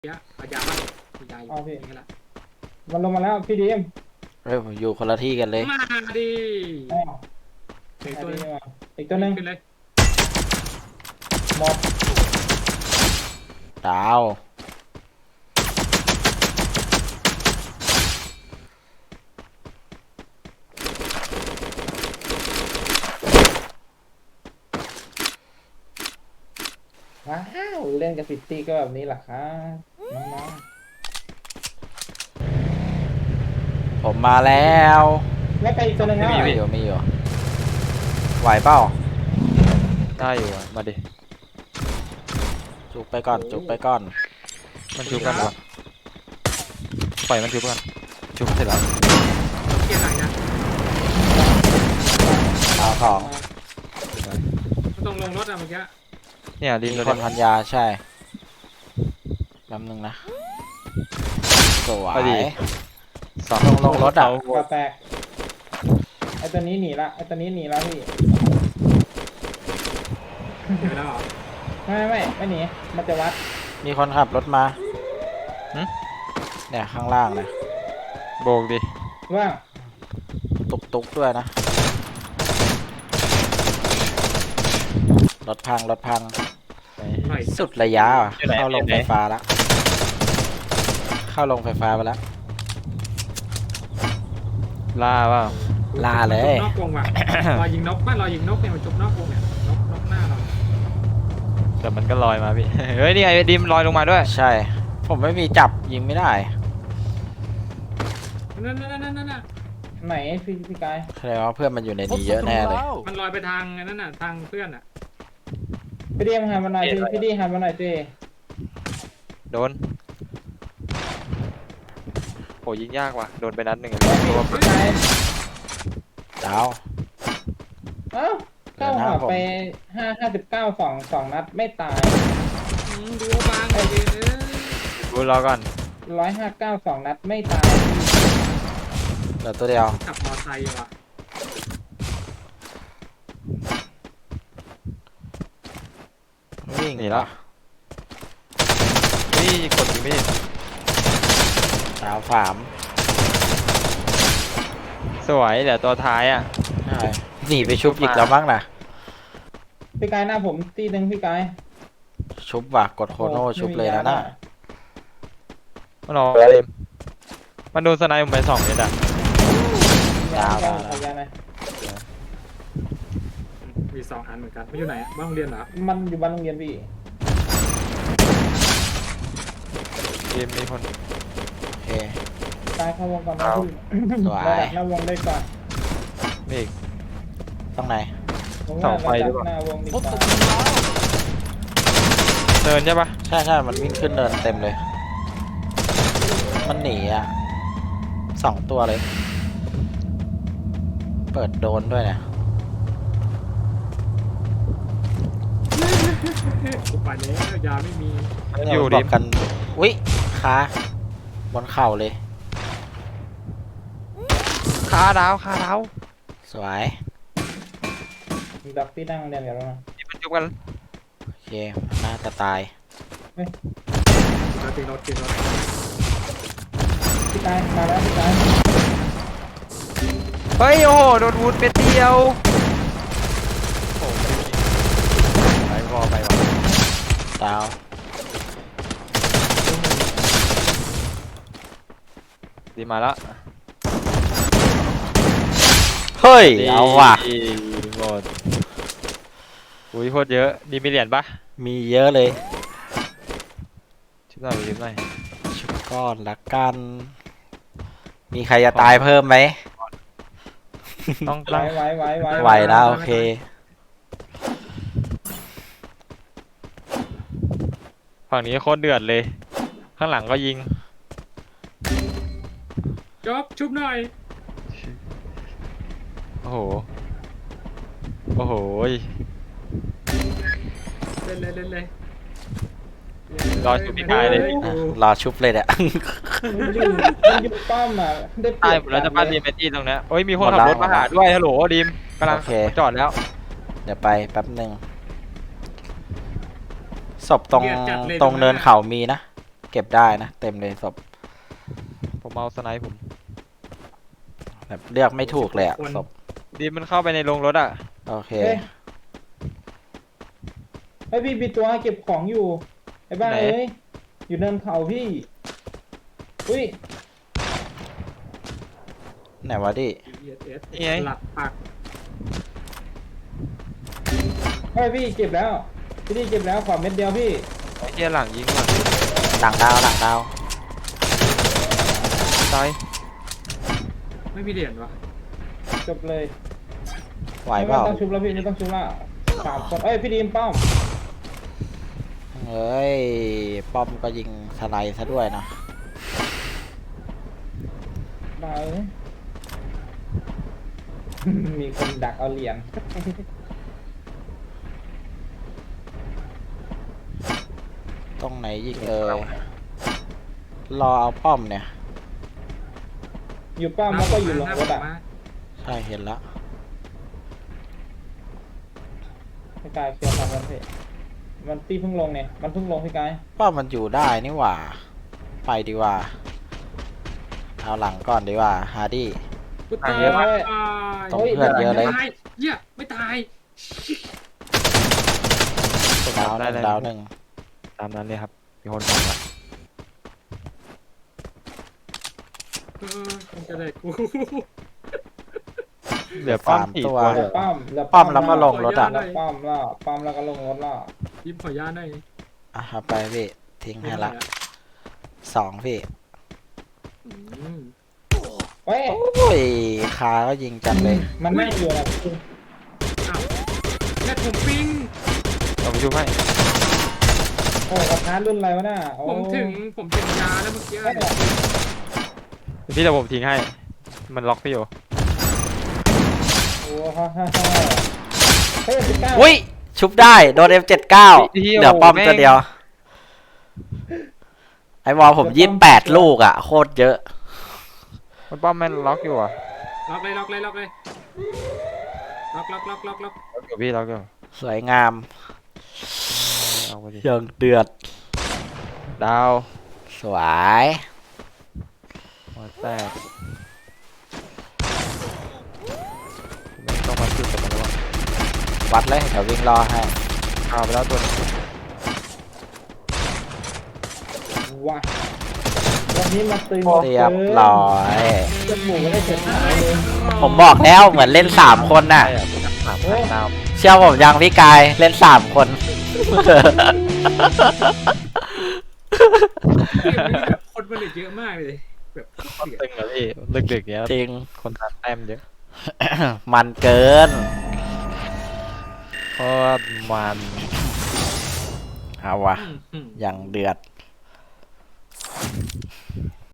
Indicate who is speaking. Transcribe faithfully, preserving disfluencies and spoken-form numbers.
Speaker 1: เยอะเอายาบ้างเอายาอยู่
Speaker 2: เอาพี่
Speaker 1: นี่ก็ละ
Speaker 2: มันลงมาแล้วพี่ดีม
Speaker 3: เฮ้ยผมอยู่คนละที่กันเลย
Speaker 1: มาดิ
Speaker 2: อ้าว
Speaker 1: เด็ก
Speaker 2: มา
Speaker 1: ตัว
Speaker 2: ดี
Speaker 1: นึง
Speaker 2: มาอีกตัวหนึง
Speaker 1: ขึ้นเลย
Speaker 2: หมด
Speaker 3: ดาว
Speaker 2: ว้าวเล่นกับซิตี้ก็แบบนี้แหละครับน้อง
Speaker 3: ผมมาแล้ว
Speaker 2: ๆแล้วไปอีกตัวหนึงแล้ว
Speaker 3: มี
Speaker 2: เหรอ
Speaker 3: อยู่มีอยู่ไหวเปล่า
Speaker 4: ได้อยู่อะมาดิ
Speaker 3: จุกไปก่อนจุกไปก่อน
Speaker 4: มันชุบกันเหรอปล่อยมันชุบกันชุบเสร็จแล้ว
Speaker 1: เกียร์ไหนนะ
Speaker 3: ดาวของ
Speaker 1: มันต้องลงรถอะเมื่อกี้
Speaker 4: เนี่ยริม
Speaker 3: มี
Speaker 4: รถ
Speaker 3: คนพันยาใช่แป๊บนึงนะสวย
Speaker 4: สอง
Speaker 3: ลงลงรถอะ
Speaker 2: กระแตกไอตัวนี้หนีละไอตัวนี้หนีละพี่
Speaker 1: เดี๋ยวแล้วเหรอ
Speaker 2: ไม่ไม่ไม่ไม่หนีมันจะวัด
Speaker 3: มีคนขับรถมาเนี่ยข้างล่างนะ
Speaker 4: โบกดิ
Speaker 2: ว่าง
Speaker 3: ตุกตุกด้วยนะรถพังรถพัง
Speaker 1: หน่อย
Speaker 3: สุดระยะอ่ะเข้าลงไฟฟ้าแล้วเข้าลงไฟฟ้าไปแล้ว
Speaker 4: ล่าเปล่า
Speaker 3: ลาเลย
Speaker 1: นอกวงว่ะ รอยิงนกบ้านรอยิงนกเนี่ยมันจบนอกวงเนี่ยนกนกหน้าเรา
Speaker 4: แต่มันก็ลอยมาพี่ เฮ้ยนี่ไอ้ดิมลอยลงมาด้วย
Speaker 3: ใช่ ผมไม่มีจับยิงไม่ได้
Speaker 1: นั่นนั่นนั่นนั่นน่ะ
Speaker 2: ไหนพี่พี่กาย
Speaker 3: แสดงว่าเพื่อนมันอยู่ในนี้เยอะแน่เลย
Speaker 1: มันลอยไปทางนั่นน่ะทางเพื่อนอ่ะ
Speaker 2: พี่ดีมหันมาหน่อยพี่พี่ดีหันมาหน่อยเจ
Speaker 4: โดนโหยิงยากว่ะโดนไปนัดหนึ่ง
Speaker 2: พี่กาย
Speaker 3: ดาว
Speaker 2: เอ้าเข้าหัวไปห้าห้าสิบเก้าสองสองนัดไม่ตาย
Speaker 1: อืมดูบางไอ้เด้อ
Speaker 4: กูรอก่อน
Speaker 2: ร้อยห้าเก้าสองนัดไม่ตาย
Speaker 3: เหลือตัวเดียว
Speaker 1: ขับมอไซค์ว่ะ
Speaker 3: วิ่ง
Speaker 4: หนีแล้วนี่กดยิงไม่ได้
Speaker 3: ดาวสาม
Speaker 4: สวยเดี๋ยวตัวท้ายอ่ะ
Speaker 3: ใช่หนีไปชุบอีกแล้วมั้งนะ
Speaker 2: พี่กายหน้าผมตีหนึ่งพี่กาย
Speaker 3: ชุบว่ะกดโคโน่ชุบเลยนะน่ะ
Speaker 4: มันรอแล้วดิมมันโดนสไนป์ผมไปสองเมตรอ่ะ
Speaker 2: ดาวดาวขอยาหน่อย
Speaker 1: มีสองอันเหมือนกันไม่อยู่ไหนอะบ้านโรงเรียนเหรอ
Speaker 2: มันอยู่บ้านโรงเรียนพี่
Speaker 4: ดิมมีคน
Speaker 3: โอเค
Speaker 2: กายเข้าวงก่อนนะพี่
Speaker 3: สวย
Speaker 2: ระดับหน้าวงได้ก่อน
Speaker 4: มีอีก
Speaker 3: ตรงไหน
Speaker 2: ผม
Speaker 4: เสา
Speaker 2: ว่า
Speaker 4: ไฟ
Speaker 2: ระ
Speaker 4: หรื
Speaker 2: ดั
Speaker 4: อบ เปล่า
Speaker 2: หน้าวงดีกว่า
Speaker 4: เดินใช่ปะ
Speaker 3: ใช่ใช่มันวิ่งขึ้นเดินเต็มเลย มันหนีอ่ะสองตัวเลย เปิดโดนด้วยเนี่ย
Speaker 1: กูไปแล้วยาไม่มี
Speaker 4: อยู่
Speaker 3: บ
Speaker 4: ดิ
Speaker 3: อก
Speaker 4: ม
Speaker 3: กันอุ๊ยขาบนเข่าเลย
Speaker 4: คาดาวคาดาว
Speaker 3: สวย
Speaker 2: มีดับพี่นั่งเรียนกันแล้วนะ
Speaker 4: ดิมมันจุบกัน
Speaker 3: โอเคมันน่าจะตาย
Speaker 1: เราติดรถติดรถ
Speaker 2: พี่กายมาแล้วพี่กาย
Speaker 4: เฮ้ยโอ้โหโดนวูดเม็ดเดียวโอ้โหไปวอไปวะ
Speaker 3: ดาว
Speaker 4: ดีมาแล้ว
Speaker 3: เฮ้ยเอาว่ะ
Speaker 4: ดีหมดอุ้ยโคตรเยอะดีมีเหรียญปะ
Speaker 3: มีเยอะเลย
Speaker 4: ชิบหน่อยชิบหน่อย
Speaker 3: ชุบก้อนละกัน มีใครจะตายเพิ่มไหม
Speaker 4: ต้อง
Speaker 2: ไว้
Speaker 4: ตั้ง
Speaker 2: ไว้ไว้ไว้
Speaker 3: ไหวแล้วโอเค
Speaker 4: ฝั่งนี้โคตรเดือดเลย ข้างหลังก็ยิง
Speaker 1: จบชุบหน่อย
Speaker 4: โอ้โหโอ้โห
Speaker 1: เล่นเลยเล่นเลย
Speaker 4: รอชุบพี่กายเลย
Speaker 3: อ่ะรอชุบเลยเนี่ย
Speaker 2: มันอยู่มันอยู่ป้อมอ่ะได้เปรี
Speaker 4: ตาย
Speaker 2: ยบ
Speaker 4: หมดแล้วจะบ้านดี
Speaker 2: เลย
Speaker 4: เมตี้ตรงเนี้ยโอ้ยมีคน
Speaker 3: หมด
Speaker 4: ขับ
Speaker 3: แล้ว
Speaker 4: รถมาหาด้วยฮัลโหลดีมกำลัง
Speaker 3: โอเค
Speaker 4: จอดแล้ว
Speaker 3: เดี๋ยวไปแป๊บหนึ่งศพตรงตรงเนินเขามีนะเก็บได้นะเต็มเลยศพ
Speaker 4: ผมเอาสไนป์ผม
Speaker 3: แบบเลือกไม่ถูกเลยอะศพ
Speaker 4: ดีมันเข้าไปในโรงรถอ่ะ
Speaker 3: โอเค
Speaker 2: เอ้ยไอพี่มีตัวเก็บของอยู่ไอ้บ้าเอ้ยอยู่เนินเขาพี่อุ้ย
Speaker 3: ไหนวะดิ
Speaker 1: เอสเอส
Speaker 4: นี่ไง
Speaker 1: หลักปัก
Speaker 2: ไอพี่เก็บแล้วพี่นี่เก็บแล้วขอเม็ดเดียวพี่
Speaker 4: ไอ้เหี้ยหลังยิงว่ะ
Speaker 3: หลังดาวหลังดาว
Speaker 4: ตาย
Speaker 1: ไม่มีเหรียญวะ
Speaker 2: จบเลย
Speaker 3: ไหว
Speaker 2: ไม่
Speaker 3: เปล่า
Speaker 2: ต้องชุบแล้วพี่ไม่ต้องชุบแล้วสามคนเอ้ยพี่ดีมป้อม
Speaker 3: เฮ้ยป้อมก็ยิงสไลด์ซะด้วยนะ
Speaker 2: มาเอ้ย มีคนดักเอาเหรียญ
Speaker 3: ตรงไหนยิงเอ่ยรอเอาป้อมเนี่ย
Speaker 2: อยู่ป้อมแล้วก็อยู่ลงรถอ่ะ
Speaker 3: ใช่เห็นละ
Speaker 2: พี่กายเคลียร์ทางกันเถอะมันตีเพิ่งลงเนี่ยมันเพิ่งลงพี่กาย
Speaker 3: ป้อมมันอยู่ได้นี่หว่า ไปดีกว่า เอาหลังก่อนดีกว่าฮาร์ดี้
Speaker 1: กูตาย
Speaker 2: เยอะเลย
Speaker 3: ตรงเพื่อนเยอะเลย
Speaker 1: ไม่ตายเหี้ยไม่ตาย
Speaker 3: ดาวหนึ่งดาวหนึ่ง
Speaker 4: ตามนั้นเลยครับมีคนบอกว่า
Speaker 1: เออมันจะได้กู
Speaker 4: เหลือป้อมสี่ตัว
Speaker 2: เหลือป้อมเหลือ
Speaker 3: ป้อมแล้วก็ลงรถอ่ะ
Speaker 2: เหลือป้อมแล้วป้อมแล้วก็ลงรถแล้ว
Speaker 1: ยิ้มขอยาหน่อย
Speaker 3: อ่ะเอาไปพี่ทิ้งให้ละสองพี่
Speaker 1: อืม
Speaker 2: เฮ้ย
Speaker 3: โอ้ยคาก็ยิงจัดเลย
Speaker 2: มันนั่งอยู่นะพี่
Speaker 1: อ้าวแม่ผมปิ้ง
Speaker 4: เราไปช่วยให้
Speaker 2: โอ้กระทะรุ่นอะไรวะน่ะโอ้
Speaker 1: ผมถึงผมถึงยาแล้วเมื่อกี้
Speaker 2: เฮ้ย
Speaker 4: พี่จะผมทิ้งให้ มันล็อกพี่อยู่
Speaker 2: โอ้ฮ่าฮ่าฮ่าเฮ้ยสิบเก้า
Speaker 3: อุ้ยชุบได้โดน เอ็ม เจ็ดสิบเก้า เหลือป้อมตัวเดียว ไอ้บอลผมยี่สิบแปดลูกอ่ะ โคตรเยอะ
Speaker 4: มันป้อมแม่นล็อกอยู่อ่ะ
Speaker 1: ล็อกเลยล็อกเลยล็อกเลยล็อกล็อกล็อกล็อกล็อก
Speaker 4: ล็อกอยู่พี่ล็อกอยู่
Speaker 3: สวยงาม
Speaker 4: เอาไปดิ
Speaker 3: ยังเดือด
Speaker 4: ดาว
Speaker 3: สวย
Speaker 4: หัวแตกไม่ต้องมาจุดกับมันแล้ว
Speaker 3: วัดเลยเดี๋ยววิ่งรอให้
Speaker 4: เอาไปแล้วตัวนึง
Speaker 2: ว้าวันนี้มาตื่น
Speaker 3: เรียบร้อย
Speaker 2: จมูกไม่ได้เสร็จหายเลย
Speaker 3: ผมบอกแล้วเหมือนเล่นสามคนน่ะ
Speaker 4: ใช่อะสามพันดาว
Speaker 3: เชื่อผมยังพี่กายเล่นสามคน
Speaker 1: เกมนี้แบบคนมันเหลือเยอะมากเลยแบบ
Speaker 4: ต้น
Speaker 1: เดือด
Speaker 4: ตึงอะพี่ดึกๆเนี้ย
Speaker 3: จริง
Speaker 4: คนทานแต้มเยอะ
Speaker 3: มันเกิน
Speaker 4: โคตรมัน
Speaker 3: เอาวะ
Speaker 1: อืมอืม
Speaker 3: อย่างเดือด